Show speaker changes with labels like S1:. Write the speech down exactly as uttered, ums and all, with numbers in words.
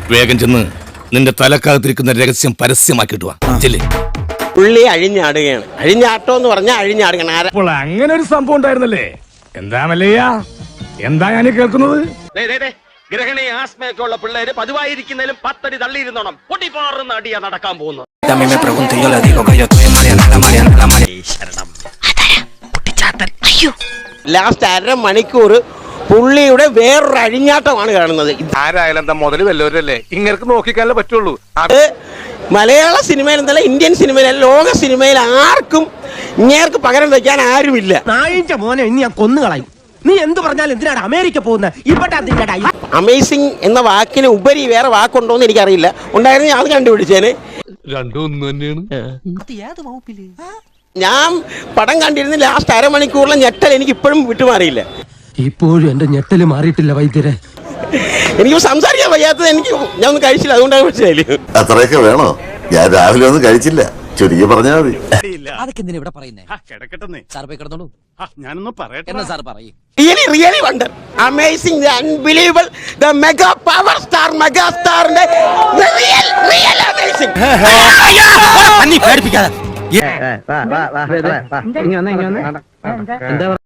S1: വേഗം ചെന്ന് നിന്റെ തലക്കകത്തിരിക്കുന്ന രഹസ്യം പരസ്യമാക്കിട്ട് വാ. ചെല്ലേ.
S2: പുള്ളി അഴിഞ്ഞാടുകയാണ്. അഴിഞ്ഞാട്ടോ എന്ന് പറഞ്ഞാൽ അഴിഞ്ഞാടുകയാണ്.
S3: അപ്പോൾ അങ്ങനെ ഒരു സംഭവം ഉണ്ടായിരുന്നല്ലേ? എന്താ മല്ലയ്യ, എന്താ ഞാൻ കേൾക്കുന്നത്?
S4: ഗ്രഹണി ആസ്മയൊക്കെ ഉള്ള പിള്ളേര് പതിവായിരിക്കുന്നതിലും പത്തടി തള്ളിയിരുന്നോണം പൊട്ടിപ്പാറുന്ന അടിയാ നടക്കാൻ പോകുന്നത്.
S2: ലാസ്റ്റ് അര മണിക്കൂർ പുള്ളിയുടെ വേറൊരു അഴിഞ്ഞാട്ടമാണ് കാണുന്നത്.
S5: ആരായാലും എന്താ മുതല് വല്ലവരല്ലേ, ഇങ്ങനെ നോക്കിക്കാനേ പറ്റുള്ളൂ.
S2: അത് മലയാള സിനിമയിൽ എന്നല്ല, ഇന്ത്യൻ സിനിമയിൽ, ലോക സിനിമയിൽ ആർക്കും ഇങ്ങേർക്ക് പകരം വെക്കാൻ ആരുമില്ല.
S6: നായിന്റെ മോനെ ഇനി ഞാൻ കൊന്നുകളയും. നീ എന്ത് പറഞ്ഞാലും എന്തിനാണ് അമേരിക്ക പോകുന്നത്? ഇവിടെ
S2: അമേസിംഗ് എന്ന വാക്കിന് ഉപരി വേറെ വാക്കുണ്ടോ എന്ന് എനിക്കറിയില്ല. ഉണ്ടായിരുന്നു ഞാൻ അത് കണ്ടുപിടിച്ചേന്.
S5: രണ്ടും ഒന്ന് തന്നെയാണ്.
S2: ഞാൻ പടം കണ്ടിരുന്ന ലാസ്റ്റ് അരമണിക്കൂറിലെ ഞെട്ടൽ എനിക്ക് ഇപ്പോഴും വിട്ടുമാറിയില്ല.
S6: ഇപ്പോഴും എന്റെ ഞെട്ടല് മാറിയിട്ടില്ല വൈദ്യരെ.
S2: എനിക്ക് സംസാരിക്കാൻ വയ്യാത്തത്. എനിക്ക് ഞാൻ ഒന്നും കഴിച്ചില്ല, അതുകൊണ്ടാണ് മനസ്സിലായില്ലേ.
S7: അത്രയൊക്കെ വേണോ? ഞാൻ രാവിലെ ഒന്നും കഴിച്ചില്ല, ചുരുക്കി പറഞ്ഞാൽ മതി.
S6: അതൊക്കെ എന്തിനാ ഇവിടെ പറയുന്നേ? സാർ പോയി കിടന്നോളൂ.
S3: ഞാനൊന്നും പറയട്ടെ.
S6: എന്നാ സാർ പറയും.
S2: Really, really wonder. Amazing, the unbelievable, the mega power star, mega star, the real, real amazing.
S6: എന്താ